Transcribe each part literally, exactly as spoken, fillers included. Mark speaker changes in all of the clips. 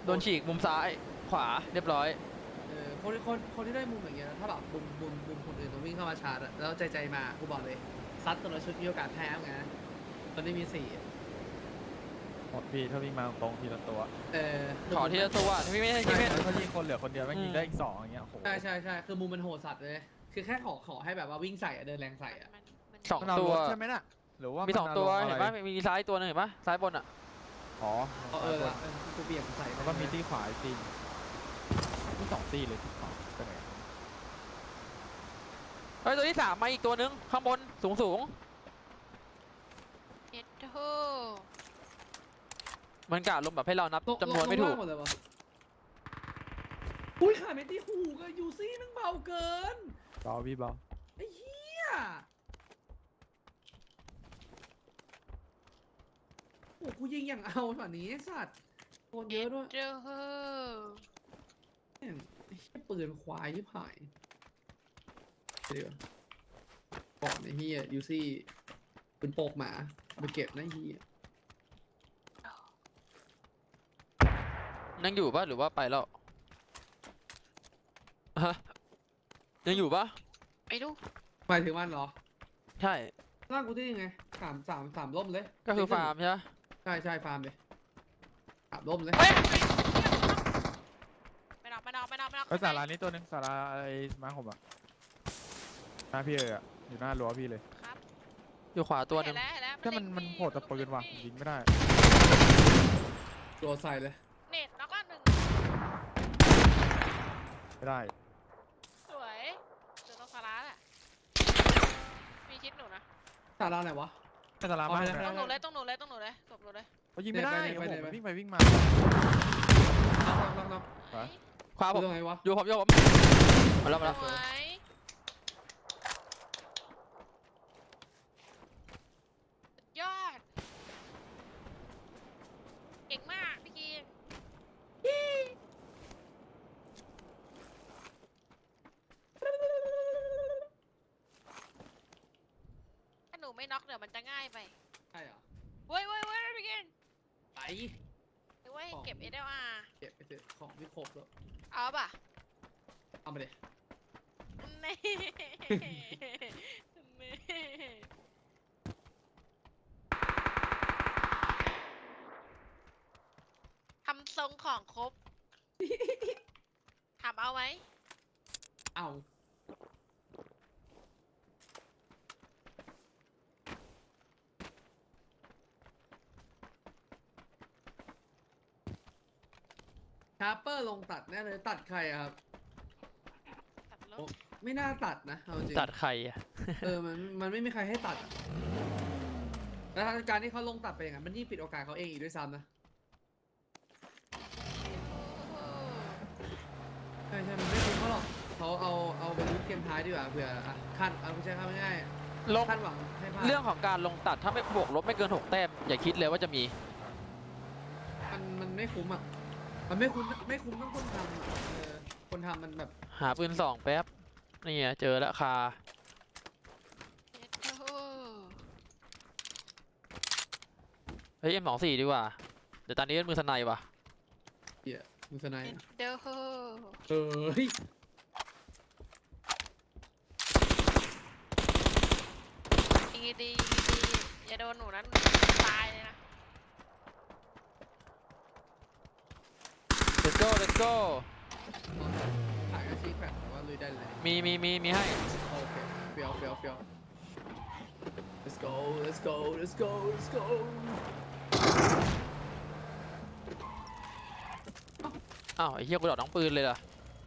Speaker 1: โดนฉีกมุมซ้ายขวาเรียบร้อย
Speaker 2: เออคนคนคนที่ได้มุมอย่างเงี้ยถ้าแบบมุมมุมมุมคนอื่นต้องวิ่งเข้ามาชาร์จอะแล้วใจใจมากูบอกเลยซัดตัวละชุดมีโอกาสแพ้ไงตอนนี้มีสี่
Speaker 3: หมดพี่ถ้าวิ่งมาตรงทีละตัว
Speaker 2: เออ
Speaker 1: ขอที่จะตัวที่ไม่ใช่ที่ไม่
Speaker 3: แล้วถ้ายิงคนเหลือคนเดียวแม่งยิงได้อีกสองอย่างเงี้ยโห
Speaker 2: ใช่ใช่ใช่คือมุมมันโหดสัตว์เลยคือแค่ขอขอให้แบบว่าวิ่งใส่อะเดินแรงใส่อะ
Speaker 4: มันมัน
Speaker 1: สอง
Speaker 3: มันเอา
Speaker 1: ตัว
Speaker 3: รถใช่ไหมน่ะหรือว่า
Speaker 1: มี
Speaker 3: มี
Speaker 1: สองตัวเห็นปะมีซ้ายตัวนึงเห็นปะซ้ายบนอ่ะ
Speaker 3: อ๋อ
Speaker 2: เออเออเออกูเบี่ยงใส่
Speaker 3: แล้วก็มีที่ขวาอีกตีที่สองตีเลยที่ขวาไปไหน
Speaker 1: เฮ้ยตัวที่สามมาอีกตัวนึงข้างบนสูงสูง
Speaker 4: เอ็ดโธ
Speaker 1: มันกะลมแบบให้เรานับจำนวนไม่ถูก
Speaker 2: หมดเลยวะอุ้ยขาเมตี้หูกับยูซี่มันเบาเกิน
Speaker 3: เบาพี่เบา
Speaker 2: ไอ้เหี้ยโอ้กูยิงอย่างเอาแบบนี้สัตว์โดนเยอะด้วย
Speaker 4: เอ็ดโธ
Speaker 2: แม่งไอ้เหี้ยปืนควายที่ผายเดี๋ยวก่อนไอ้เหี้ยยูซี่ปืนโปกหมาเอาไปเก็บนะไอ้เหี้ย
Speaker 1: ยังอยู่ปะหรือว่าไปแล้วฮะยังอยู่ปะ
Speaker 4: ไม่รู้
Speaker 2: หมายถึงมันเหรอ
Speaker 1: ใช่
Speaker 2: ร่างกูที่ยังไงสามสามสามล่มเลย
Speaker 1: ก็คือฟาร์มใช่ปะ
Speaker 2: ใช่ใช่ฟาร์มเลยสามล่มเลย
Speaker 4: เฮ้ยไม่นอกไม่นอกไม่นอกไม่นอก
Speaker 3: เออสารานี้ตัวหนึงสาราไอ้มาผมอ่ะหน้าพี่เลยอ่ะอยู่หน้ารั้วพี่เลย
Speaker 4: ครับ
Speaker 1: อยู่ขวาตัวหนึ
Speaker 4: เห็
Speaker 1: ง
Speaker 4: นแล้วเห็นแล้ว
Speaker 3: ถ้ามันมันโผล่แต่ปืนว่ะยิงไม่ได้
Speaker 2: ตัวใส่เลย
Speaker 4: เน็ตน็อกละหนึ่ง
Speaker 3: ไม่ได้
Speaker 4: สวยเจอต้องสาระแหละมีชิดหนูนะ
Speaker 2: สาราไหนวะ
Speaker 3: แต่สารา
Speaker 2: เอา
Speaker 3: มา
Speaker 2: ไป
Speaker 3: ก
Speaker 2: เลย
Speaker 4: ต้องหนูเลยต้องหนูเลยต้องหนูเลยศพหนูเลย
Speaker 3: เขายิงไม่ได้
Speaker 2: เนี่ย
Speaker 3: โอ้
Speaker 2: ไป
Speaker 3: โห
Speaker 2: เนี่ยไป
Speaker 3: มันวิ่งไปวิ่งมา
Speaker 2: น็อกน็อกน็อกน็อก
Speaker 3: ไป
Speaker 1: ขวาผ
Speaker 2: ดู
Speaker 1: ม
Speaker 2: ตรงไหนวะ
Speaker 1: อยู่ผมอยู่ผมมาแล้วมาแล้ว
Speaker 4: สวยสุดยอดเก่งมากพี่กีนถ้าหนูไม่น็อกเดี๋ยวมันจะง่ายไป
Speaker 2: ใช่เหรอ
Speaker 4: เว้ยเว้ยเว้ยพี่กิน
Speaker 2: ไป
Speaker 4: เว้ยเก็บ เอส แอล อาร์
Speaker 2: เก็บไปเถอะของไม่ครบแล้ว
Speaker 4: เอาป่ะ
Speaker 2: เอามาเลย
Speaker 4: นี่ทำทรงของครบ ถามเอาไหม
Speaker 2: เอาชาร์เปอร์ลงตัดแน่เลยตัดใครอะครับ
Speaker 4: ตัดล
Speaker 2: โอ้
Speaker 4: บ
Speaker 2: ไม่น่าตัดนะเอาจริง
Speaker 1: ตัดใครอ่ะ
Speaker 2: เออมันมันไม่มีใครให้ตัดอะแล้วการที่เขาลงตัดไปอย่างนั้นมันยิ่งปิดโอกาสเขาเองอีกด้วยซ้ำนะใช่ใช่มันไม่คุ้มเขาหรอกเขาเอาเอาไปลุ้นเกมท้ายดีกว่าเผื่ออ่ะคาดเอาไม่ใช่คาดง่าย
Speaker 1: ลง
Speaker 2: ๆคาดหวังให้พลาด
Speaker 1: เรื่องของการลงตัดถ้าไม่บวกลบไม่เกินหกแต้มอย่าคิดเลยว่าจะมี
Speaker 2: มันมันไม่คุ้มอ่ะมันไม่คุ้มไม่คุ้มต้องคนทำอะเออคนทำมันแบบ
Speaker 1: หาปืนสองแป๊บนี่ไงเจอแล้วคา
Speaker 4: เอ็ดโธ่
Speaker 1: เฮ้ยเอ็มสองสี่ดีกว่าเดี๋ยวตอนนี้เป็นมือสไนว่ะ
Speaker 2: เหี้ยมือสไน
Speaker 4: เอ็
Speaker 2: ด์
Speaker 4: ด
Speaker 2: อะ
Speaker 4: โธ่
Speaker 2: เออเฮ้ย
Speaker 4: ยิงดียิงดีอย่าโดนหนูนั้นตายเลยนะ
Speaker 1: let's go let's go
Speaker 2: ขายอาชีพแบบแต่ว่าลุยได้เลย
Speaker 1: มีมีมีมีให้
Speaker 2: โอเคเฟียวเฟียวเฟียว let's go let's go let's go let's go
Speaker 1: อ้าวไอ้เหี้ยกูดอกน้องปืนเลยล่ะ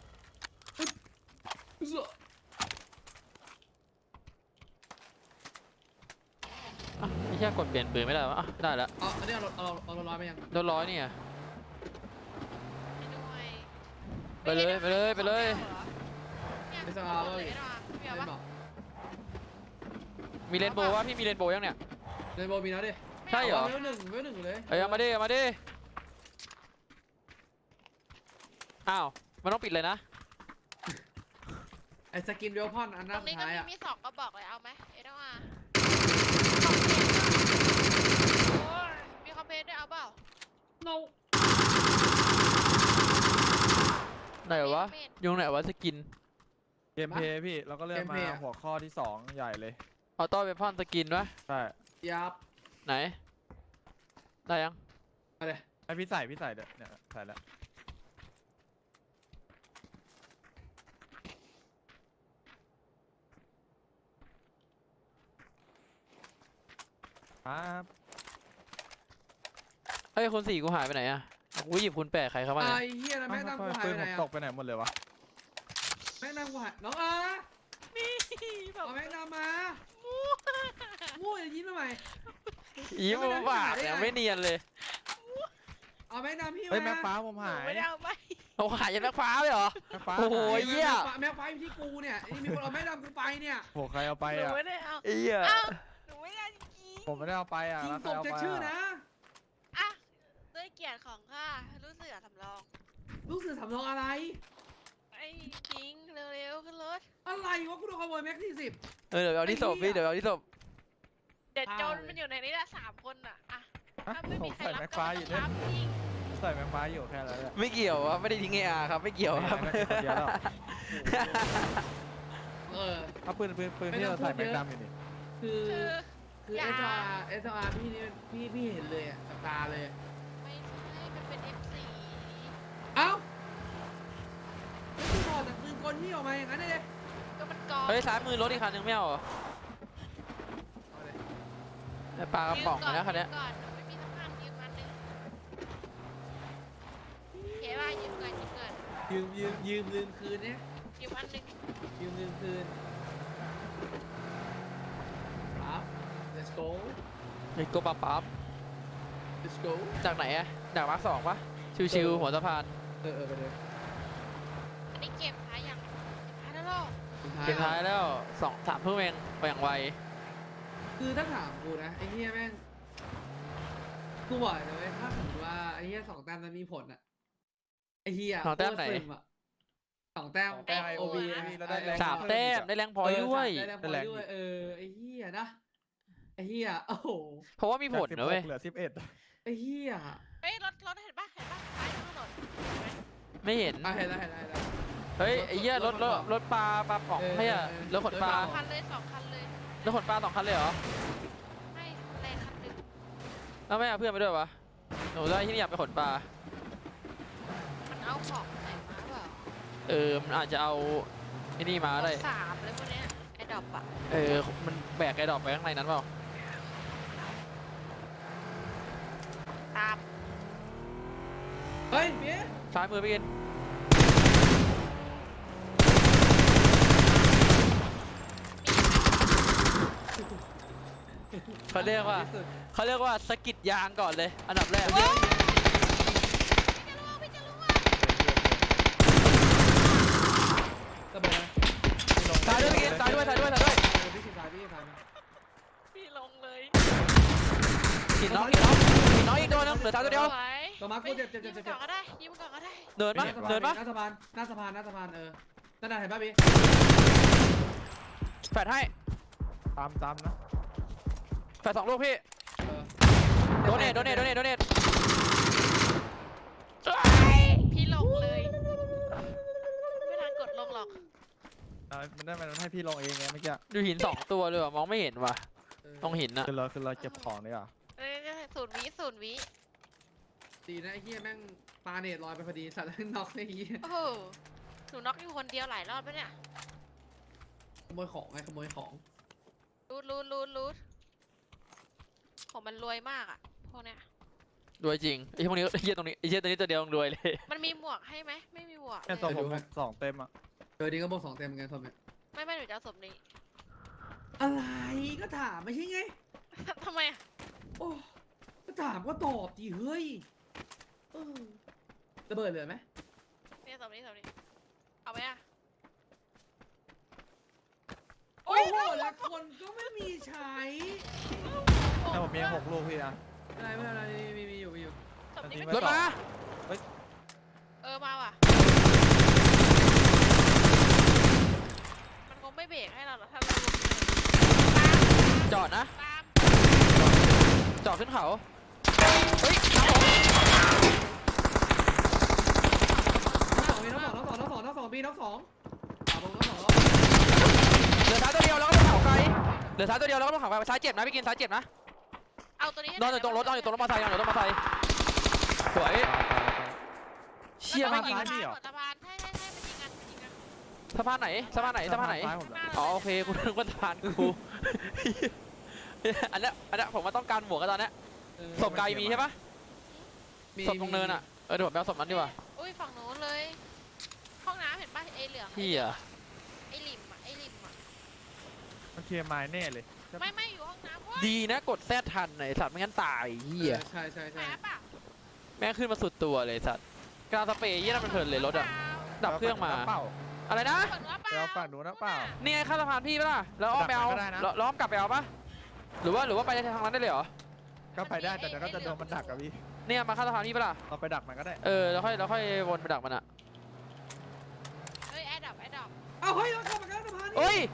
Speaker 1: อ่ะไอ้เหี้ยกดเปลี่ยนปืนไม่ได้วะอ่ะได้แล้ว
Speaker 2: เอาอันนี้เอาเอาเอาเอาร้อยไปยัง
Speaker 1: โดนร้อยนี่อ่ะ
Speaker 4: ไม่ด้วย
Speaker 1: ไปเลยไปเลยไปเลย
Speaker 4: ไม่สบายเลยพี่เอา
Speaker 2: ไม่
Speaker 4: ปะ
Speaker 2: บอก
Speaker 1: มีเรนโบว์วะพี่มีเรนโบว์ยังเนี่ย
Speaker 2: เรนโบว์มีแล้วดิ
Speaker 1: ใช่เหรอ
Speaker 2: เวลหนึ่งเวลหนึ่งอยู่เลย
Speaker 1: เอ้ยเอามาดิเอามาดิอ้าวมันต้องปิดเลยนะ
Speaker 2: ไอ้สกินเวลพอนอันห
Speaker 4: ต
Speaker 2: น้า
Speaker 4: รง
Speaker 2: สุ
Speaker 4: นี้
Speaker 2: ด
Speaker 4: ก็
Speaker 2: ท้าย
Speaker 4: มี
Speaker 2: อ่ะ
Speaker 4: มีสองก็บอกเลยเอาไหมเอ็ดอาร์มีคอมเพลนด้วยเอาเปล่า
Speaker 2: no
Speaker 1: ไหนวะ
Speaker 4: เมน
Speaker 1: ยุงไหนวะสกิน
Speaker 3: เกมเพลย์พี่แล้วก็เลื่อนมาหัวข้อที่สองใหญ่เลย
Speaker 1: ออโต้เวพอนสกินวะ
Speaker 3: ใช่
Speaker 2: ยับ
Speaker 1: ไหนได้ยัง
Speaker 2: มาเลย
Speaker 3: ให้พี่ใส่พี่ใส่เดี๋ยวเนี่ยใส่แล้วครับ
Speaker 1: เฮ้ยคนสี่กูหายไปไหนอะกูหยิบคุณแปะใครเข้ามา
Speaker 2: ไอ้
Speaker 1: เนี่ย
Speaker 2: เหี้ยนะแม่งนำกูหาย
Speaker 3: ปื
Speaker 2: ไป
Speaker 3: น
Speaker 2: ไหน
Speaker 3: ผม
Speaker 2: อะ
Speaker 3: ตกไปไหนหมดเลยวะ
Speaker 2: แม่งนำกูหายน้องอา
Speaker 4: นี่แบบ
Speaker 2: เอาแม่งนำมางูอย่ายิ้มทำไม
Speaker 1: อีโมบาทเนี่ยไม่เนียนเลย
Speaker 2: เอาแม่งนำพี่มา
Speaker 3: เฮ้ยแม็กฟ้าผมหาย
Speaker 4: ไม่ได้เอาไป
Speaker 1: เอาหายยันแม็กฟ้าไปเหรอ
Speaker 3: แม็กฟ้า
Speaker 1: โอ้โห
Speaker 3: หาย
Speaker 1: เหี้ย
Speaker 2: แม่งไฟอยู่ที่กูเนี่ยนี่มีคนเอาแม่งนำกูไปเนี่ย
Speaker 3: โหใครเอาไป
Speaker 4: หนู
Speaker 3: อ่ะ
Speaker 4: ไม่ได้เอา
Speaker 1: ไอ้เหี้ย
Speaker 4: เอ้าหนูไม่ได้จริง
Speaker 3: ผมไม่ได้เอาไปอ่ะ
Speaker 2: ยิง
Speaker 3: แล้ว
Speaker 2: ศ
Speaker 3: ใคร
Speaker 2: พ
Speaker 3: เอา
Speaker 2: จะ
Speaker 3: ไป
Speaker 2: ชื่อ
Speaker 3: อ่ะ
Speaker 2: นะ
Speaker 4: ๆอ่ะด้วยเกียรติของข้ารู้เสือสำรอง
Speaker 2: ลูกเสือสำรองอะไร
Speaker 4: ไอ้คิงเร็วๆขึ้นรถ
Speaker 2: อะไรวะกูโดนขโมยแม็กซี่สิบ
Speaker 1: เออเดี๋ยวเอาที่ศพพี่เดี๋ยวเอาที่ศพ
Speaker 4: เด็ด
Speaker 2: พา
Speaker 4: โจร
Speaker 2: เลย
Speaker 4: มันอยู่ในนี้แหละสามคนอ่ะอ่ะ
Speaker 3: ฮะ
Speaker 4: ถ้าไม่
Speaker 3: ผ
Speaker 4: มี
Speaker 3: ม
Speaker 4: ใคร
Speaker 3: ใส่
Speaker 4: รับ
Speaker 3: แม็ก
Speaker 4: ก็
Speaker 3: ฟ้า
Speaker 4: ไม่
Speaker 3: อยู่
Speaker 4: ต้
Speaker 3: เนี่
Speaker 4: อย งรับจริง
Speaker 3: ใส่แม็กฟ้าอยู่แค่นั้นแหละ
Speaker 1: ไม่เกี่ยววะไม่ได้ทิ้งเออาร์ครับไม่เกี่ยวครับ
Speaker 3: ไม่ได้คนเดียวแล้ว
Speaker 2: เออ
Speaker 3: เอาปืนปืนปืน
Speaker 2: ไม่
Speaker 3: ที่
Speaker 2: ต้อ
Speaker 3: เรา
Speaker 2: งพู
Speaker 3: ใส่
Speaker 2: ด
Speaker 3: แม็ก
Speaker 2: เยอะ
Speaker 3: ดำอยู่นี่
Speaker 2: คือ
Speaker 4: คือ
Speaker 2: คือ
Speaker 4: อย่า
Speaker 2: เอสอาร์เอสอาร์พี่นี่พี่พี่เห็นเลยอะกับตาเลย
Speaker 4: ไม่ใช่มันเป็น เอฟ ซี
Speaker 2: เอ้าแล้วพี่ถอดจากปืนกลพี่ออกมาอย่างนั้นเลย
Speaker 4: ก็มันกอง
Speaker 1: เฮ้ยซ้ายมือรถอีกคันนึงไม่เอาเหรอ
Speaker 2: เอาเลย
Speaker 1: ไอ้ปลากระป๋อง
Speaker 4: ยืม
Speaker 1: นะคันเนี้ย
Speaker 4: ยืมก่อนหนูไม่มีสะพานยืมอันหนึงเขียนว่ายืมก่อนยืมก่อน
Speaker 2: ยืมยืมยืมลืมคืนเนี่ย
Speaker 4: ยืมอันหนึง
Speaker 2: ยืมลืมคืนครับ let's go
Speaker 1: ไอ้โกปั๊บปั๊บ
Speaker 2: let's go
Speaker 1: จากไหนอะจากมาร์คสองปะชิวๆหัวสะพาน
Speaker 2: เออเออไปเลย
Speaker 4: อันนี้เกมท้ายยังเกมท้ายแล้วเหรอ
Speaker 1: เกมท้ายแล้วสองสามทุ่มเองไปอย่างไว
Speaker 2: คือถ้าถามกูนะไอ้เหี้ยแม่งกูบอกเลยนะเว้ยถ้าสมมติว่าไอ้เหี้ยสองแต้มนั้นมีผลอะไอ้เหี้ย
Speaker 1: สองแต้มไหน
Speaker 2: โคตรซึอะสองแต้ม
Speaker 3: สองแต้ม
Speaker 2: โอบี
Speaker 3: แล้วได้แรง
Speaker 1: สามแต้มได้แรงพอยด้วย
Speaker 2: ได้แรงพอยด้วยเออไอ้เหี้ยนะไอ้เหี้ยโอ้โห
Speaker 1: เพราะว่ามีผลนะเว้ย
Speaker 3: เหลือสิบเอ็ด
Speaker 2: ไอ้เหี้ย
Speaker 4: เฮ้ยรถรถเห็นปะเห็นปะท้ายถนนเห็นไหม
Speaker 1: ไม่เห็น
Speaker 2: อ่ะเห็นแล้วเห็นแล้วเห็นแล้ว
Speaker 1: เฮ้ยไอ้เหี้ยรถรถรถปลาปลาป๋อง
Speaker 2: เออ
Speaker 1: ไม่ใช่อะ
Speaker 2: เออ
Speaker 1: รถขนปลา
Speaker 4: สองคันเลยสองคันเลย
Speaker 1: รถขนปลาสองคันเลยเหรอ
Speaker 4: ไม่แรงคันหนึ่ง
Speaker 1: แล้วไม่เอาเพื่อนไปด้วยวะหนูได้ที่นี่อยากไปขนปลา
Speaker 4: มันเอาของไหนมาเปล่า
Speaker 1: เออมันอาจจะเอาไอ้นี่มาได้
Speaker 4: สามเลยพวกเนี้ยไอ้ดอกอะ
Speaker 1: เออมันแบกไอ้ดอกไปข้างในนั้นเปล่า
Speaker 4: ตาม
Speaker 2: เฮ้ยเบี้ย
Speaker 1: ซ้ายมือไปกินเขาเรียกว่า
Speaker 2: ที่สุด
Speaker 1: เขาเรียกว่าสะกิดยางก่อนเลย อันดับแรก
Speaker 4: พี่จะรู้ว่าพี่จะรู้ว่า
Speaker 2: ระเบิดนะ
Speaker 1: ตายด้วยไปกินตายด้วยตายด้วยตายด้วย
Speaker 2: เออพี่ชิดซ้ายพี่ชิดซ้ายนะ
Speaker 4: พี่ลงเลย
Speaker 1: กินน้องกินน้องกินน้องอีกตัวนึงเหลือตายตัวเดียว
Speaker 4: สวย
Speaker 2: ต่อมากูเจ็บเจ็บเจ็บ
Speaker 4: ยิ้ม
Speaker 2: เจ็บ
Speaker 4: ก่อนก็ได้ยิ้มก่อนก็ได้
Speaker 1: เดินปะเดินปะ
Speaker 2: หน้าสะพานหน้าสะพานหน้าสะพานเออนั่นน่ะเห็นป่ะพี่
Speaker 1: แฟดให้
Speaker 3: ตามตามนะ
Speaker 1: แฟดสองลูกพี่
Speaker 2: เออ
Speaker 1: โดเนทโดเนทโดเนทโดเนท
Speaker 4: พี่ลงเลยไม่ทันกดลงหรอก
Speaker 3: เอามันได้มันให้พี่ลงเองไงเมื่อกี้
Speaker 1: ดูหินสองตัวเลยว่ะมองไม่เห็นว่ะ
Speaker 2: เออ
Speaker 1: ตรงหินอะ
Speaker 3: คือเราคือเราเก็บของดีกว่า
Speaker 4: เอ้ยศูนย์วิศูนย์วิ
Speaker 2: ดีนะไอ้เหี้ยแม่งปาเนตลอยไปพอดีสัตว์แล้วน็อกไอ้เหี้ย
Speaker 4: โอ้โหหนูน็อกอยู่คนเดียวหลายรอบแล้วเนี่ย
Speaker 2: ขโมยของไงขโมยของ
Speaker 4: รูดรูดรูดรูดผมมันรวยมากอะพวกเนี้ย
Speaker 1: รวยจริงไอ้พวกนี้ไอ้เหี้ยตรงนี้ไอ้เหี้ยตัวนี้ตัวเดียวรวยเลย
Speaker 4: มันมีหมวกให้ไหมไม่มีหมวก
Speaker 3: แค่
Speaker 4: เลย
Speaker 3: ตัวผมสองเต็มอ่ะ
Speaker 2: เจอดีก็บอกสองเต็มเหมือนกันทอมเนี่ย
Speaker 4: ไม่ไม่หนูจะเอาศพนี้
Speaker 2: อะไรก็ถามไม่ใช่ไง
Speaker 4: ทำไมอะ
Speaker 2: โอ้ก็ถามก็ตอบดิเฮ้ยเออระเบิดเหลือไหม
Speaker 4: เนี่ยศพนี้ศพนี้เอาไหมอะ
Speaker 2: โอ้โหแล้วคนก็ไม่มีใช้
Speaker 3: แต่ผมมีหกลูกพี่นะ
Speaker 2: อะไรไม่เป็นไรมีมีอยู่มีอยู่
Speaker 4: ศพนี้
Speaker 3: อันนี้
Speaker 4: ไม่
Speaker 1: รถมา
Speaker 4: เออมาว่ะมันคงไม่เบรกให้เราหรอกถ้าเรา
Speaker 1: จอดนะ
Speaker 4: ตาม
Speaker 1: จอดขึ้นเขาเฮ้ยน้ำผม
Speaker 2: น้องสองน้องสองน้องสองน้องสน้องสองขวาบนน้องสองแล้ว
Speaker 1: เหลือซ้ายตัวเดียวแล้วก็ต้องเขาไกลเหลือซ้ายตัวเดียวแล้วก็ต้องเขาไกลซ้ายเจ็บนะพี่กินซ้ายเจ็บนะ
Speaker 4: เอาตัวนี้ให้
Speaker 1: นอนอยู่ตรงรถนอนอยู่ตรงรถมอเตอร์ไซค์นอนอยู่ตรงรถมอเตอร์ไซค์สวยเชี่ย
Speaker 4: มั
Speaker 1: ไม่
Speaker 4: น
Speaker 1: ง
Speaker 4: ต้
Speaker 1: ยิ
Speaker 4: อง
Speaker 1: ง
Speaker 4: ยิงสะพานใช่ใช่ใช่มันยิงกันมันยิงกัน
Speaker 1: สะพานไหนสะพานไหนสะพานไหน
Speaker 3: ซ้ายผม
Speaker 4: ข้างหน้า
Speaker 1: อ๋อ
Speaker 4: ลย
Speaker 1: โอเคกูนึกว่าสะพานกู อันเนี้ยอันเนี้ยผมมาต้องการหมวกกันตอนเนี้ย
Speaker 2: เออ
Speaker 1: ศพไกลมีใช่ปะ
Speaker 2: มี
Speaker 1: ศพตรงเนินอ่ะเออเดี๋ยวผมไปเอาศพนั้นดีกว่า
Speaker 4: อุ้ยฝั่งนู้นเลย ห้องน้ำเห็นป่ะไอ้เหลือง
Speaker 1: เฮีย
Speaker 4: ไอ้ริมอ่ะไอ้ริมอ่ะ
Speaker 3: มันเคลียร์ไม้แน่เลย
Speaker 4: ไม่ไม่อยู่ห้องน้ำเว้ย
Speaker 1: ดีนะกดแซดทันไอ้สัตว์ไม่งั้นตายเฮีย
Speaker 2: เออใช่ใช่
Speaker 4: แหม
Speaker 2: ใช่
Speaker 4: ป่ะ
Speaker 1: แม่งขึ้นมาสุดตัวเลยสัตว์กลางสเปรย์ยี่นั่นมันเพลินเลยรถอ่ะดับเครื่องมา
Speaker 3: เปล่า
Speaker 1: อะไรนะ
Speaker 4: เปิดหัวเป
Speaker 3: ไป
Speaker 4: ล่า
Speaker 3: เอาฝั่งนู้นนะเปล่า
Speaker 1: นี่ไงข้ามสะพานพี่ปะล่ะแล้วอ้อมไปเอา
Speaker 3: ดักมันก็ได้นะ
Speaker 1: แล้วแล้วอ้อมกลับไปเอาปะหรือว่าหรือว่าไปทางนั้นได้เลยเหรอ
Speaker 3: ก็ไปได้แต่เดี๋ยวก็จะโดนมันดักกับพี่
Speaker 1: เนี่ยมาข้ามสะพานพี่ปะล่ะ
Speaker 3: เราไปดักมันก็ได้
Speaker 1: เออแล้วค่อยแล้วค่อยวนไปดักมันอ่ะ
Speaker 4: เฮ้ยแอร์ดับแอร์ดับ
Speaker 2: เอาเฮ้ยเราเข้ามากันสะพานนี่
Speaker 1: เอ้ย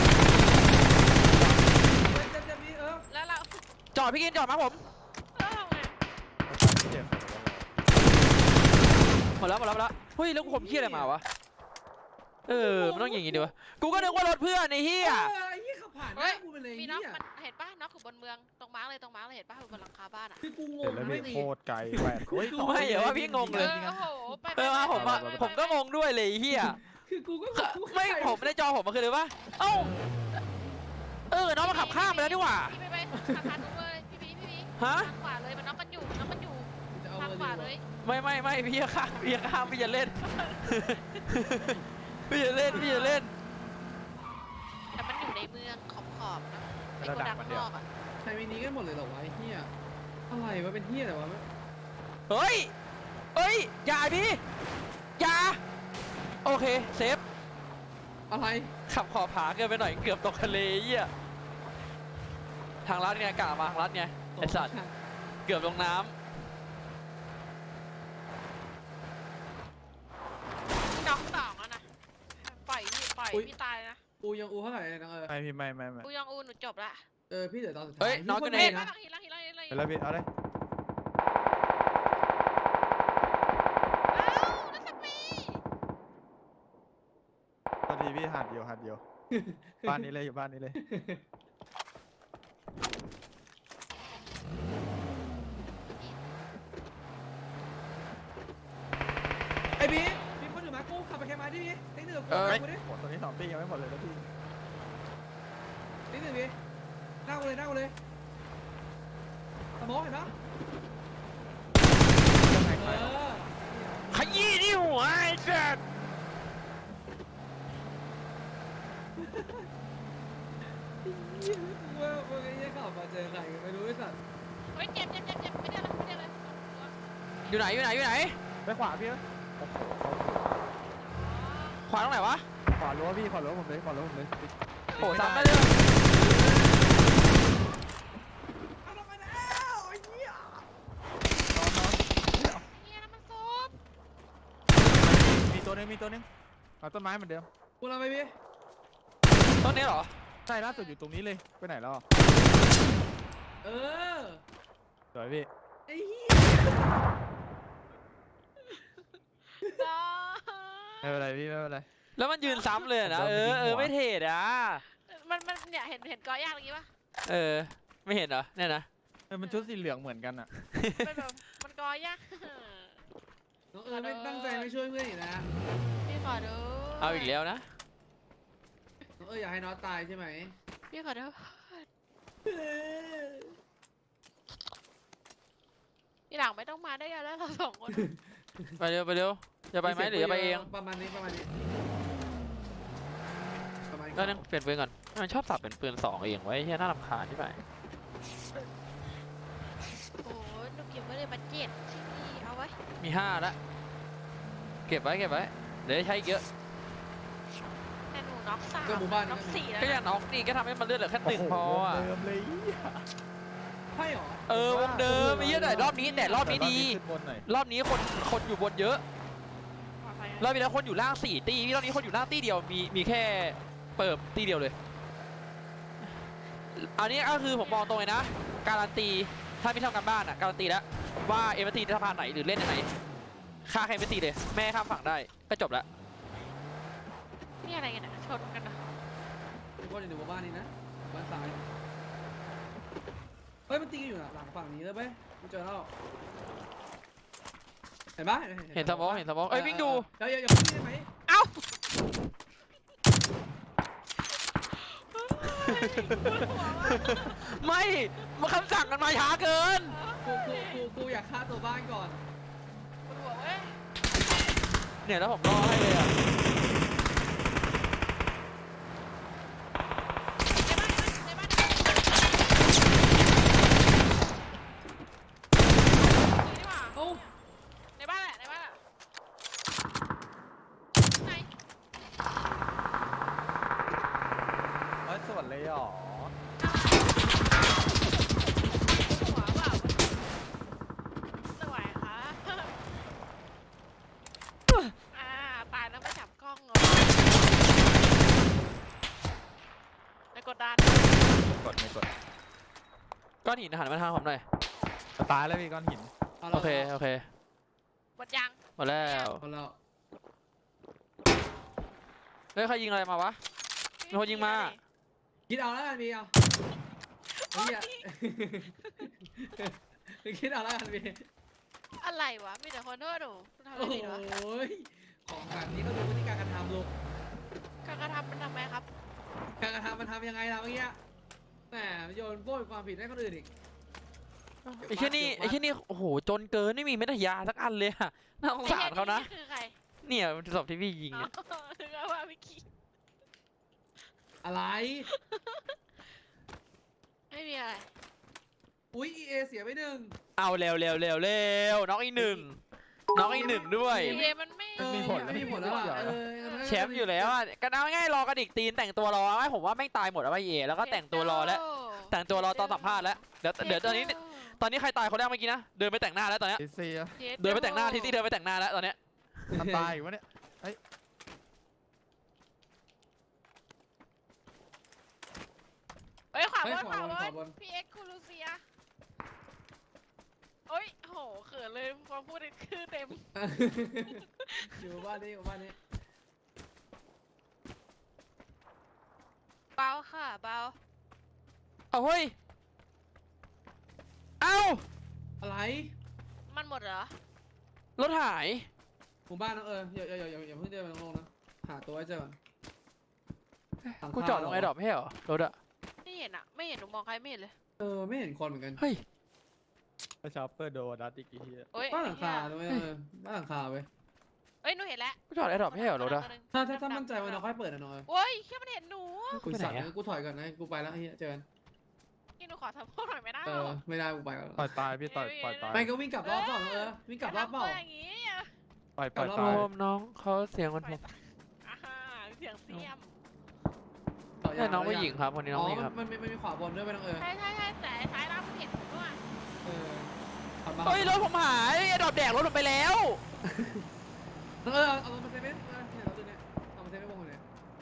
Speaker 2: เจ็บเจ็บเจ็บนี่เออ
Speaker 4: แล้วเรา
Speaker 1: จอดพี่กินจอดมาผม
Speaker 4: แล้วทำไง
Speaker 3: เจ็บ
Speaker 1: หมดแล้วหมดแล้วหมดแล้วเฮ้ยแล้วกูผมเฮียอะไรมาวะเออมันต้องอย่างงี้ดิวะกูก็นึกว่ารถเพื่อนไอ้เฮีย
Speaker 2: เออไอ้เหี้ยขับผ่านหน้ากูไปเลย
Speaker 4: มี
Speaker 2: ไอ้
Speaker 4: น็อก
Speaker 2: เหี้ย
Speaker 4: มันเห็นป่ะน็อกอยู่บนเมืองตรงมาร์กเลยตรงมาร์กเลยเห็นป่ะอยู่บนหลังคาบ้านอ่ะ
Speaker 2: คือกูง
Speaker 3: เห็
Speaker 2: ง
Speaker 3: นแล้ว
Speaker 2: ไม่
Speaker 3: พี่
Speaker 2: ดี
Speaker 3: โคตรไกลแหวนโอ้ย
Speaker 1: กูไม่เหรอว่าพี่งง
Speaker 4: เอ
Speaker 1: เลย
Speaker 4: อโอ้โหไปไป
Speaker 1: เออมาผมอะ
Speaker 4: ไปไป
Speaker 1: ผมก็งงด้วยเลยไอ้เฮีย
Speaker 2: คือกูก็
Speaker 1: ไม่ผมในจอผมมันคือเลยว่าเอ้าเออน้องมาขับข้ามไปแล้วดีกว่า
Speaker 4: พี่ไปไปสะพานนู้นเลยพี่พีพี่พี
Speaker 1: ฮะ
Speaker 4: ทางขวาเลยมันน็อกกันอยู่มันน็อกกันอยู่
Speaker 2: จะเอา
Speaker 4: ทาง
Speaker 2: เบอร์
Speaker 4: ขวา
Speaker 2: ดี
Speaker 4: เลย
Speaker 1: ไม่ไม่ไม่พี่จะข้ามพี่จะข้ามพี่จะเล่น พี่จะเล่นพี่จะเล่น
Speaker 4: แต่มันอยู่ในเมืองขอบขอบๆนะไม่โกดังข้างนอกอ่ะ
Speaker 2: ใช้มินิกันหมดเลยเหรอวะไอ้เหี้ยอะไรวะเป็นเหี้ยอะไรวะ
Speaker 1: เฮ้ยเฮ้ยอย่าดิอย่าโอเคเซฟ
Speaker 2: อะไร
Speaker 1: ขับขอบผาเกินไปหน่อยเกือบตกทะเลเหี้ยทางลัดไงกะมาทางลัดไงไอสัตว์เกือบลงน้
Speaker 4: น็อกสองแล้วนะปล่อยพี่ปล่อยพี่ตายนะ
Speaker 2: อูยังอูเท่าไหร่เลยนะเออ
Speaker 3: ไม่พี่ไม่ไม่ไม่
Speaker 4: กูยังอูหนูจบละ
Speaker 2: เออพี่เดี๋ยวตอนสุด
Speaker 1: ำ
Speaker 2: ท้าย
Speaker 1: เฮ้ยน้องก็
Speaker 2: พี่
Speaker 1: เน
Speaker 2: โค
Speaker 4: เฮ้ย
Speaker 2: ตร
Speaker 4: ไม่
Speaker 2: นะ
Speaker 4: ต้องฮีละฮีละฮีละ
Speaker 3: เห็นแล้วพี่เอาเลย
Speaker 4: อ้าวนัสปี
Speaker 3: ตอนทีพี่หัดเดียวหัดเดียวบ้านนี้เลยอยู่บ้านนี้เลย
Speaker 2: ไอ้บีมีคนอยู่มากูขับไปแค่มาดิบีไอ้หนึ่งกูกูดิ
Speaker 3: หมดตอนนี้สองปียังไม่หมดเลยนะพี่
Speaker 2: ไอ้หนึ่งบีนั่งเลยนั่งเลยสมองเห็นปะ
Speaker 3: ยังไง
Speaker 2: เอ
Speaker 3: ใคร
Speaker 2: อ
Speaker 1: ขยี้ที่หัวไอ้สัตว์
Speaker 2: เหี้ยกูว่ามึงไอ้เหี้ยขับมาเจอใครไม่รู้ไอ้สัตว์
Speaker 4: เฮ้ยเจ็บเจ็บเจ็บเจ็บไม่ได้เลยไม่ได้เลย
Speaker 1: อยู่ไหนอยู่ไหนอยู่ไหน
Speaker 3: ไปขวาพี่โอ้โห
Speaker 1: ขวาตรงไหนวะ
Speaker 3: ขวารั้วพี่ขวารั้วผมเลยขวารั้วผมเลย
Speaker 1: โอ้ซ้ำได้เลย
Speaker 2: เอาลงมาแล้วไอ้เหี้ย
Speaker 3: นอนนอน
Speaker 4: เฮียน้ำมันซุป
Speaker 3: มีตัวนึงมีตัวนึงเอาต้นไม้เหมือนเดิม
Speaker 2: กูเราไปบี
Speaker 1: ต้นนี้เหรอ
Speaker 3: ใช่ล่าสุดอยู่ตรงนี้เลยไปไหนแล้ว
Speaker 2: เออ
Speaker 3: สวยพี่
Speaker 2: ไอ้เหี้ย
Speaker 3: ไม่เป็นไรพี่ไม่เป็นไร
Speaker 1: แล้วมันยืนซ้ำเลยนะ เออเออไม่เทดอ่ะ
Speaker 4: มันมันเนี่ยเห็นเห็นกอยากอย่างงี้ป่ะ
Speaker 1: เออไม่เห็นเหรอเนี่ยนะ
Speaker 3: เออมันชุดสีเหลืองเหมือนกันอ่ะ
Speaker 4: เป็นแบบมันกอยาก
Speaker 2: น้องเออไม่ตั้งใจไม่ช่วยเพื่อนอีกนะ
Speaker 4: พี่ขอดู
Speaker 1: เอาอีกแล้วนะ
Speaker 2: น้องเอออยากให้น้องตายใช่ไหม
Speaker 4: พี่ขอดูทีหลังไม่ต้องมาได้กันแล้วเราสองคน
Speaker 1: ไปเร็วไปเร็วจะไปไหมหรือจะไปเอง
Speaker 2: ประมาณนี้ประมาณนี้ประมาณนี้
Speaker 1: ก็นึงเปลี่ยนปืนก่อนมันชอบสับเป็นปืนสองเองไว้เฮียน่ารำคาญที่ไหน
Speaker 4: โอ้ยหนูเก็บไว้เลยมาเจ็ดที่เอาไว้
Speaker 1: มีห้าละเก็บไว้เก็บไว้เดี๋ยวได้ใช้อีกเยอะ
Speaker 4: แต่หนูน็อกสาม
Speaker 2: ก็หมู่บ้าน
Speaker 4: น็อกสี่แล้ว
Speaker 1: ก็อย่างน้องนี่ก็ทำให้มันเลือดเหลือแค่หนึ่งพออ่ะ
Speaker 3: เดิมเลย
Speaker 2: ใช่หรอ
Speaker 1: เออวงเดิมไอ้เหี้ยแต่รอบนี้แต่รอบนี้ดี
Speaker 3: ขึ้นบนหน่อย
Speaker 1: รอบนี้คนคนอยู่บนเยอะรอบนี้แล้วคนอยู่ล่างสี่ตีรอบนี้คนอยู่ล่างตีเดียวมีมีแค่เปิดตีเดียวเลย อันนี้ก็คือผมมองตรงเลยนะ การันตีถ้าไม่ทำกันบ้านอ่ะการันตีแล้วว่าเอ็มตีสะพานไหนหรือเล่นยังไงฆ่าใครไม่ตีเลยแม่ข้ามฝั่งได้ก็จบแล้ว
Speaker 4: นี่อะไรกันนะชนกันนะ
Speaker 2: ทุกคนอยู่ในหมู่บ้านนี้นะบ้านซ้ายเฮ้ยมันตีกันอยู่น่ะหลังฝั่งนี้เลยเว้ยกูเจอแล้วเห็นปะ
Speaker 1: เห็นสมองเห็นสมองเอ้ยวิ่งดู
Speaker 2: เดี๋ยวอย่าอย่าพึ่งได้ไหม
Speaker 4: เอ้า
Speaker 1: ไม่มาคำสั่งกันมาช้าเกิน
Speaker 2: กูกูกูกูอยากฆ่าตัวบ้านก่อน
Speaker 4: ปวดหัวเว้ย
Speaker 1: เนี่ยแล้วผมรอให้เลยอ่ะ
Speaker 4: ในบ้านในบ้านนี่หว่า
Speaker 2: เอ้า
Speaker 4: ในบ้านแหละในบ้านแหละไหน
Speaker 3: เฮ้ยสวนเลยเหรอ
Speaker 4: หัวเปล่าสวยค่ะอ่าตายแล้วไม่จับกล้องเหรอในกดดัน
Speaker 3: กดไม่กด
Speaker 1: ก้อนหินหันมาทางผมหน่อย
Speaker 3: จะตายแล้วพี่ก้อนหิน
Speaker 2: าละ
Speaker 1: โอเคโอเค
Speaker 4: หมดยัง
Speaker 1: หมดแล้ว
Speaker 2: เอาแล้ว
Speaker 1: เฮ้ยใครยิงอะไรมาวะ มีคนยิงมา
Speaker 2: คิดเอาแล้วกันพี่เอาเฮ้ยคิดเอาแล้วกันพี่
Speaker 4: อะไรวะมีแต่คนโทษหนูทำอะ
Speaker 2: โอ้
Speaker 4: ไรผิดวะ
Speaker 2: ยของแบบนี้ก็ดูพฤติการการทำลูก
Speaker 4: การกระทำมันทำไมครับ
Speaker 2: การกระทำมันทำยังไงล่ะเมื่อกี้แหมโยนโบยความผิดให้คนอื่นอีก
Speaker 1: ไอ้แค่นี่ไอ้แค่นี่โอ้โหจนเกินไม่มีเม็ดยาสักอันเลยอะน่าสงสารเขานะ
Speaker 4: ไอ้หี้ยคือใคร
Speaker 1: เนี่ยมันศพที่พี่ยิง
Speaker 4: อ๋อ
Speaker 1: เนี่ย
Speaker 4: ถึงเอาว่าไม่คิด
Speaker 2: อะไร
Speaker 4: ไม่มีอะไร
Speaker 2: อุ้ยเอเสียไปหนึ่ง
Speaker 1: เอาเร็วเร็วเร็วเร็วน้องอีกหนึ่งน้องอีกหนึ่งด้วย
Speaker 4: เอมันไม่
Speaker 2: เออไม่มีผลแล้วอ่ะเออ
Speaker 1: แชมป์อยู่แล้วอ่ะก็เอาง่ายๆรอกระดิกตีนแต่งตัวรอไว้ผมว่าแม่งตายหมดแล้วไอ้เอแล้วก็แต่งตัวรอแล้ว แต่งตัวรอตอนสัมภาษณ์แล้วเดี๋ยวเดี๋ยวตอนนี้ตอนนี้ใครตายคนแรกเมื่อกี้นะเดินไปแต่งหน้าแล้วตอนเนี้ย
Speaker 3: เอเซีย
Speaker 1: เดินไปแต่งหน้าทีที่เดินไปแต่งหน้าแล้วตอนเนี้ย
Speaker 3: มันตายอีกวะเนี่ย
Speaker 4: เฮ้ยขวา
Speaker 2: เฮ้
Speaker 4: บ
Speaker 2: ย
Speaker 4: น
Speaker 2: ข
Speaker 4: ขวาว
Speaker 2: า
Speaker 4: บบ
Speaker 2: นขวาน บน
Speaker 4: พี่เอ็กซ์คูลูเซียโอ้ยโหเขินเลยพอพูดคือเต็ม
Speaker 2: อยู่บ้านนี้อยู่บ้านนี้
Speaker 4: เบาค่ะเบา
Speaker 1: เอาเฮ้ยเอ้า
Speaker 2: อะไร
Speaker 4: มันหมดเหรอ
Speaker 1: รถหาย
Speaker 2: หมู่บ้านน้องเอออย่าอย่าอย่าอย่าอย่าเพิ่งเดินไปลงๆนะหาตัวให้เจอก่อน
Speaker 1: กูจอดตรงไอ้ดอกไม่ใช่เหรอรถอะ
Speaker 4: ไม่เห็นอะไม่เห็นหนูมองใครไม่เห็นเลย
Speaker 2: เออไม่เห็นคนเหมือนกัน
Speaker 1: เฮ้ย
Speaker 3: ก็ชอปเปอร์โดนัทอีกทีย
Speaker 4: โอ้ย
Speaker 2: บ้านหลังคาด้วยเออบ้านหลังคาเว้ย
Speaker 4: เอ้ยหนูเห็นแล้ว
Speaker 1: กูจอดไอ้ดอกไม่ใช่เหรอรถอะ
Speaker 2: ถ้าถ้าถ้ามั่นใจว่าเราค่อยเปิดนะน้อย
Speaker 4: โอ้ยแค่มันเห็นหนู
Speaker 2: กูสั่น
Speaker 1: ไปไหนอะ
Speaker 2: กูถอยก่อนนะกูไปแล้วไอ้เหี้ยเจอกัน
Speaker 4: นี่หนูขอทำโทษหน่อยไม่ได้
Speaker 2: เอ
Speaker 4: หร
Speaker 2: อ
Speaker 4: อ
Speaker 2: ไม่ได้กูไปก่อน
Speaker 3: ปล่อยตายพี่ต่อยปล่อยตาย
Speaker 2: ไม่ก็วิ่งกลับรอบเปล่าเออวิ่งกลับรอบเปล่า
Speaker 4: ย่าทำตัวอย่างงี้อะ
Speaker 3: ปล่อยปล่อย
Speaker 2: กลับร
Speaker 3: ตา
Speaker 2: อบ
Speaker 3: ย
Speaker 1: โอมน้องเขาเสียงมันผม
Speaker 4: อ่าฮะเสียงเสียม
Speaker 2: ต่
Speaker 1: ใช่น้องผู้หญิงครับคนนี้น้
Speaker 2: อ๋
Speaker 1: อง
Speaker 2: อ
Speaker 1: ผู้หญิงครับ
Speaker 2: มันมันมันมีขวาบนด้วยไปน้องเออ
Speaker 4: ใช่ใช่ใช่แต่ไอ้ซ้ายล่างมันเห็นหนูด้วย
Speaker 2: เออขับมา
Speaker 1: เฮ้ยรถผมหายไอ้ดอกแดกรถผมไปแล้ว
Speaker 2: เออเอาเอามาเซฟเว่นเออเนี่ยเราตัวเนี้ยเอามาเซฟเว่นวงคนเนี้ย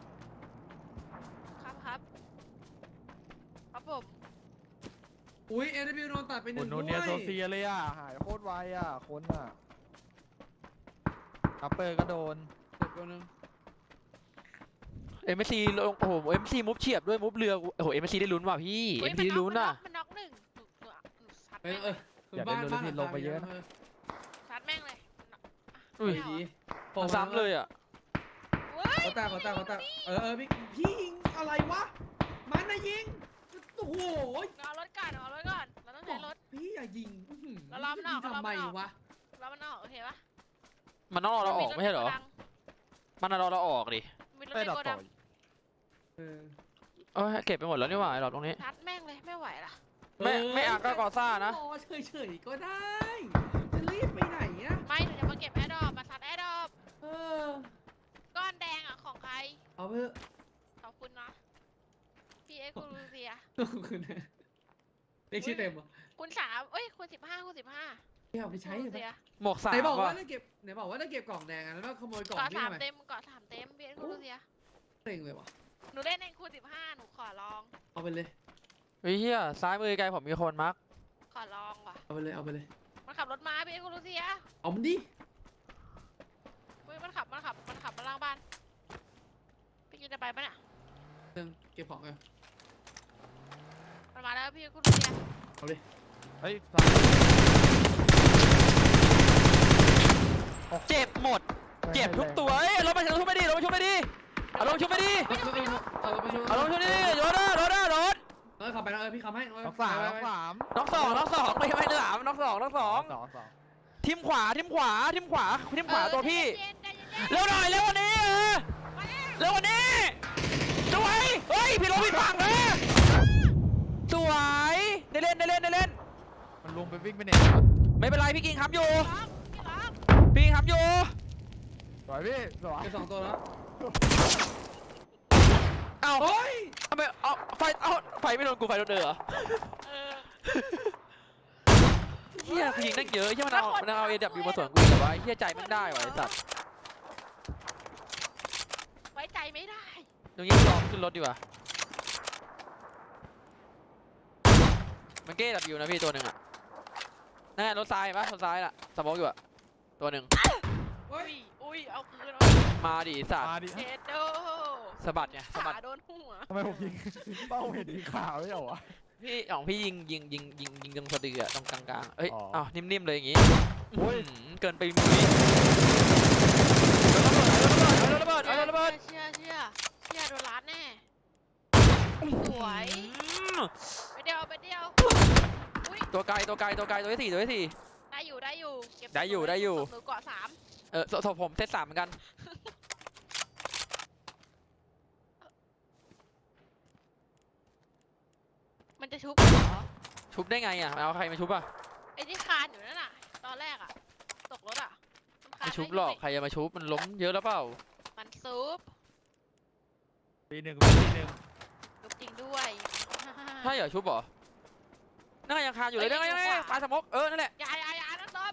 Speaker 4: ครับครับครับผม
Speaker 2: อุ้ยเอ ว โดนตัดไปห
Speaker 3: คุ
Speaker 2: นึ่
Speaker 3: ณ
Speaker 2: ง
Speaker 3: โน
Speaker 2: ด้วย
Speaker 3: เนียโซเซียเลยอ่ะ หายโคตรไวอ่ะ คนอ่ะอัปเปอร์ก็โดน
Speaker 2: เจ็บตัวนึง
Speaker 1: เอ็มซีลงโอ้โหเอ็มซีมุฟเฉียบด้วยมุฟเรือโอ้โหเอ็มซีได้ลุ้นว่ะพี่
Speaker 4: เฮ้
Speaker 1: เอ็
Speaker 4: ย
Speaker 1: มซีได้ลุ้น
Speaker 4: มั
Speaker 1: อ่ะ
Speaker 4: มันน็อกมันน็อกหนึ่งหนูหนูหนูซัด
Speaker 2: ไป
Speaker 4: แม่ง
Speaker 2: เอ
Speaker 4: เล
Speaker 2: อย คือบ้านบ้านหลังคาเยอะเออ
Speaker 4: ซัดแม่งเลย
Speaker 1: อุ้ย
Speaker 2: ดี
Speaker 1: มันซ้ำเลยอ่ะ
Speaker 4: เว้ย
Speaker 2: เขาตาเขาตาเขาตาเออเออพี่พี่ยิงอะไรวะมันนะยิงโอ้โห
Speaker 4: เอารถก่อนเอารถก่อนเราต้องใช้รถ
Speaker 2: พี่อย่ายิงอื้อหือ
Speaker 4: แล้วล้อมนอก
Speaker 2: ทำไม
Speaker 4: ล้อมนอก
Speaker 2: วะ
Speaker 4: แล้วมันออกโอเคปะ
Speaker 1: มันต้องรอเราออกไม่ใช่เหรอ มันรอเราออกดิ
Speaker 4: มีรถ
Speaker 3: ไป
Speaker 4: ใน
Speaker 3: ดับ
Speaker 4: โก
Speaker 3: ต่
Speaker 4: ดั
Speaker 3: อง
Speaker 2: เออ
Speaker 1: เอ้ยเก็บไปหมดแล้วนี่หว่าไอ้ดอกตรงนี้
Speaker 4: ซัดแม่งเลยไม่ไหวละ
Speaker 1: ไม่ไม่อ่ะก็กอซ่านะ
Speaker 2: รอเฉยๆก็ได้ จะรีบไปไหนอะ
Speaker 4: ไม่หนูจะมาเก็บแอร์ดรอปมาซัดแอร์ดรอป
Speaker 2: เออ
Speaker 4: ก้อนแดงอ่ะของใคร
Speaker 2: เอาไปเถอะ
Speaker 4: ขอบคุณนะพี่เอ็กซ์คูลูเซีย
Speaker 2: ขอบคุณนะเรียกชื่อเต็มเหรอ
Speaker 4: คุณสามเอ้ยคุณสิบห้าคุณสิบห้า
Speaker 2: ไม่เอาไปใช้
Speaker 4: คู
Speaker 2: เหร
Speaker 4: ลู
Speaker 2: อ
Speaker 4: เซีย
Speaker 1: หมวกสาม
Speaker 2: ไหนบอกว่า
Speaker 1: ว่ะ
Speaker 2: จะเก็บไหนบอกว่าจะเก็บกล่องแดงอะแล้วก็ขโมยกล่อง
Speaker 4: เกาะ
Speaker 2: พี่
Speaker 4: สาม
Speaker 2: ทำไม
Speaker 4: เต็มเกาะสามเต็มพี่เอ็กซ์คูลูเซีย
Speaker 2: เต็งเลยวะ
Speaker 4: หนูเล่นในคูณสิบห้าหนูขอลอง
Speaker 2: เอาไปเลย
Speaker 1: เฮ้ยเฮียซ้ายมือไกลผมมีคนมาร์ก
Speaker 4: ขอลองว่ะ
Speaker 2: เอาไปเลยเอาไปเลย
Speaker 4: มันขับรถมาพี่เอ็กซ์คูลูเซีย
Speaker 2: เอามันดิ
Speaker 4: เฮ้ยมันขับมันขับมันขับมาล่างบ้านปะเนี่ย
Speaker 2: เรื่องเก็บของกัน
Speaker 4: มันมาแล้วพี่คุณเบียร์
Speaker 2: เอาเลย
Speaker 3: เฮ้ย
Speaker 1: เจ็บหมดเจ็บทุกตัวเอ้ยรถมาชุบไม่ดีรถมาชุบไม่ดีเอารถมาชุบไม่ดี
Speaker 2: เออเออเออประชุม
Speaker 1: เอารถมาชุบไม่ดีรถนะรถนะรถ
Speaker 2: เออขับไปนะเออพี่ขับให้เออ
Speaker 3: น้องสาม
Speaker 2: ไป
Speaker 3: น้อง
Speaker 2: ไป
Speaker 3: สาม
Speaker 1: น้องสองน้องสองไม่ไม่สามน้องสองน้องสอง
Speaker 3: สองสอง
Speaker 1: ทิมขวาทิมขวาทิมขวาทิมขวาตัวพี่
Speaker 4: เย็นๆใจเย็นๆ
Speaker 1: เร็วหน่อยเร็วกวันนี้เออ
Speaker 4: มาแล้ว
Speaker 1: เร็วกวันนี้สวยเฮ้ยพี่รถพี่ฝั่งเออสวยได้เล่นได้เล่นได้เล่น
Speaker 3: มันลงไปวิ่งไปเนี่ย
Speaker 1: ไม่เป็นไรพี่กิงค้ำอยู่
Speaker 4: ล็อกพี่ล็อก
Speaker 1: พี่กิงค้ำอยู่
Speaker 3: สวยพี่สวย
Speaker 2: เก็บสองตัวแล้ว
Speaker 1: เอ้า
Speaker 2: โอ้ย
Speaker 1: ทำไมเอาไฟเอาไฟไม่โดนกูไฟโดนเดือเหรอ
Speaker 4: เออ
Speaker 1: เฮียผู้หญิงนั่งเยอะเฮียมันเอามันเอาเอดับยูมาสวนกูแต่ว่าเฮียใจมันได้ว่ะไอ้สัตว์
Speaker 4: ไว้ใจไม่ได้
Speaker 1: ตรงนี้ลองขึ้นรถดีกว่ามันเก้ดับยูนะพี่ตัวหนึ่งอ่ะนั่นไงรถซ้ายเห็นปะรถซ้ายน่ะสมองอยู่อ่ะตัวหนึ่ง
Speaker 2: โอ้
Speaker 4: อุ้
Speaker 2: ย
Speaker 4: ยอุ้ยเอาคืนเอา
Speaker 1: มาดิสัตว์
Speaker 3: มาดิ
Speaker 4: เจ็ดโด
Speaker 1: สะบัดไงสะบัด
Speaker 4: ขาโดนหัว
Speaker 3: ทำไมผมยิงเป้าเห็นสีขาวไม่เหรอวะ
Speaker 1: พี่ของพี่ยิงยิงยิงยิงยิงตรงสะดืออะตรงกลางๆเอ้ย
Speaker 3: อ๋อ
Speaker 1: อ้าวนิ่มๆเลยอย่างงี้
Speaker 3: โอ้ย
Speaker 1: อื้อหือเกินไปมุ้ยเอาระเบิดเอาระเบิดเอาระเบิด
Speaker 4: เชื่อเชื่อเชื่อโดนล้านแน่ สวย
Speaker 1: อืม
Speaker 4: ไปเดียวไปเดียวอุ้ย
Speaker 1: ตัวไกลตัวไกลตัวไกลตัวที่สี่ตัวที่สี่
Speaker 4: ได้อยู่ได้อยู่เก็บ
Speaker 1: ได้อยู่ได้อยู่
Speaker 4: หนูเกาะสาม
Speaker 1: เออศพศพผมเซตสามเหมือนกัน
Speaker 4: มันจะชุบเหรอ
Speaker 1: ชุบได้ไงอ่ะเอาใครมาชุบอ่ะ
Speaker 4: ไอ้ที่คานอยู่นั่นน่ะ ตอนแรกอะตกรถอะมันคาน
Speaker 1: ไม่ชุบ
Speaker 4: ด้
Speaker 1: หรอก
Speaker 4: ยัง
Speaker 1: ใครจะมาชุบมันล้มเยอะแล้วเปล่า
Speaker 4: มันซุป
Speaker 3: ปีหนึ่งปีหนึ่ง
Speaker 4: ซุปจริงด้วย
Speaker 1: ใช่เหรอชุบเหรอนั่นไงยังคาอยู่เลยนั่นไงนั่นไงปลาสมกเออนั่นแหละ
Speaker 4: อยาอยาอยานะซบ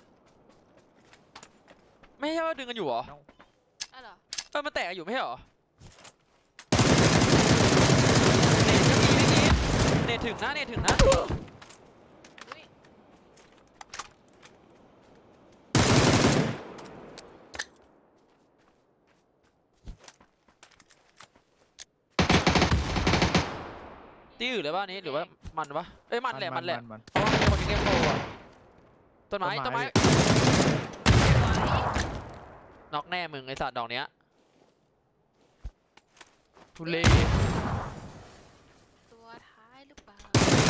Speaker 1: ไม่ใช่ว่าดึงกันอยู่เหรอ
Speaker 4: อะเหรอ
Speaker 1: เออมันแตกอยู่ไม่ใช่เหรอเนทก็มีไม่กี่เนทถึงนะเนทถึงนะ
Speaker 4: อุ้ย
Speaker 1: ที่อื่นเลยป่ะนี้หรือว่ามันวะเอ้ยมันแหละมันแหละ
Speaker 3: มัน
Speaker 1: เพราะว่ามีคนมีเกมโปรอะต้นไม้
Speaker 3: ต้
Speaker 1: ต้
Speaker 3: น
Speaker 1: น
Speaker 3: ไม้
Speaker 1: ไม้น็อกแน่มึงไอสัตว์ดอกเนี้ยทุเรศ
Speaker 4: ตัวท้ายหรือเปล่า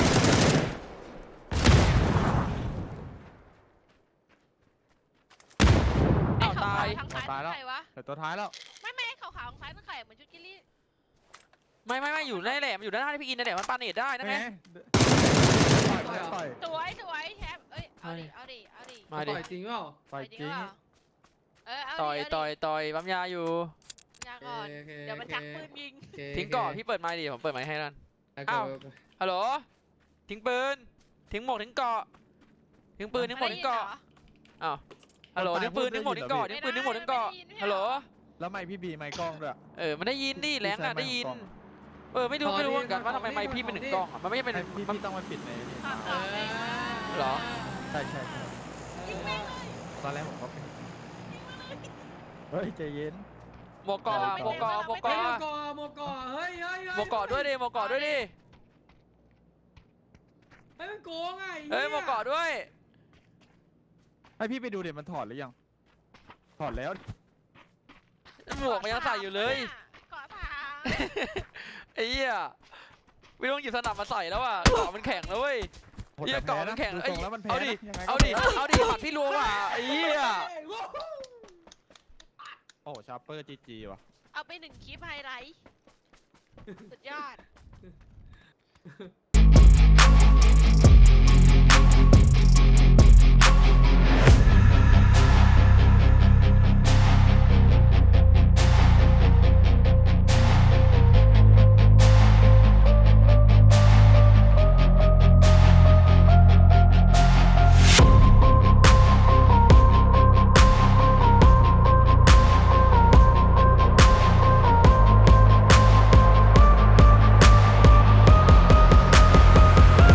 Speaker 1: อ้าวตาย
Speaker 4: ไอ้ขวๆทางซ้ายนั่นใครวะ
Speaker 3: แต่ตัวท้ายแล้ว
Speaker 4: ไม่ไม่ไอ้ขาวๆทางซ้ายนั่นใครเหมือนชุดกิลลี่
Speaker 1: ไม่ไม่ไม่อยู่ในนแหละมันอยู่ด้านหน้าที่พี่อินนั่นแหละมันปาเนตได้นั่นไง
Speaker 3: ต่อยต่อย
Speaker 4: สวยสวยแชมป์เอ้ย เอาดิ เอาดิ เอาดิ
Speaker 1: มาดิ
Speaker 2: ต่อยจริงเปล่า
Speaker 3: ต่อยจริง
Speaker 4: เปล่าเออเอาดิ
Speaker 1: ต่อย
Speaker 4: เาดิ
Speaker 1: ต่อยต่อยปั๊มยาอยู่
Speaker 4: ยาก่อน
Speaker 2: โอเค
Speaker 4: เดี๋ยวมันชักปืนยิง
Speaker 2: โอเค
Speaker 1: ทิ้งก่อนพี่เปิดไมค์ดิผมเปิดไมค์ให้นั่น
Speaker 2: โอเค
Speaker 1: อ้าว
Speaker 2: โอเค
Speaker 1: ฮัลโหลทิ้งปืนทิ้งหมวกทิ้งเกราะทิ้งปืนทิ้งหมวกทิ้งเกราะอ้าวฮัลโหลทิ้งปืนทิ้งหมวกทิ้งเกราะทิ้งปืนทิ้งหมวกทิ้งเกราะฮัลโหล
Speaker 3: แล้วไม่พี่บีไม่กล้องด้วย
Speaker 1: เออมันได้ยินดิแรงอ่ะ
Speaker 3: พี่
Speaker 1: ได้ยิน
Speaker 3: ใช้ไมค์ของ
Speaker 1: เออไม่รู้ไม่รู้เหมือนกันว่าทำไมไมค์พี่เป็นหนึ่งกล้องอ่ะมันไม่ใช่เป็น
Speaker 3: ให้พี่
Speaker 1: มัน
Speaker 3: พี่ต้องมาปิดในนี่
Speaker 4: ขาวขาวเลย
Speaker 1: เหรอ
Speaker 3: ใช่ใช่ใช่
Speaker 4: ยิงแม่งเลย
Speaker 3: ตอนแรกผมก็เป็นเฮ้ยใจเย็น
Speaker 1: หมวกเกราะอะหมวกเกราะหมวก
Speaker 2: เฮ้
Speaker 1: เก
Speaker 2: ย
Speaker 1: ราะ
Speaker 2: โมกอโมกอเฮ้ยเฮ้ยเฮ้ย
Speaker 1: หมวกเกราะด้วยดิหมวกเกราะด้วยดิ
Speaker 2: เฮ้ยมันโกงไง
Speaker 1: เฮ้ยหมวกเกราะด้วย
Speaker 3: ให้พี่ไปดูเดี๋ยวมันถอดหรือยังถอดแล้ว
Speaker 1: หมวกมันยังใส่อยู่เลย
Speaker 4: เกาะสาม
Speaker 1: ไอ้เหี้ยไม่ต้องหยิบสนับมาใส่แล้วอ่ะเกราะมันแข็งแล้วเว้ย
Speaker 3: โหด
Speaker 1: เหี้ย
Speaker 3: แต่
Speaker 1: เกาะ
Speaker 3: พ้
Speaker 1: มันแข็ง
Speaker 3: ดู
Speaker 1: เอ้
Speaker 3: ท
Speaker 1: ย
Speaker 3: รงแล้วมันแพ้
Speaker 1: เอาดิ
Speaker 3: นะยังไงก็
Speaker 1: เอาดิ
Speaker 3: แพ้
Speaker 1: เอาดิหมัดพี่รัวว่ะไอ้เหี้ย
Speaker 3: โอ้โหชาร์เปอร์จีจีว่ะ
Speaker 4: เอาไปหนึ่งคลิปไฮไลท์ สุดยอด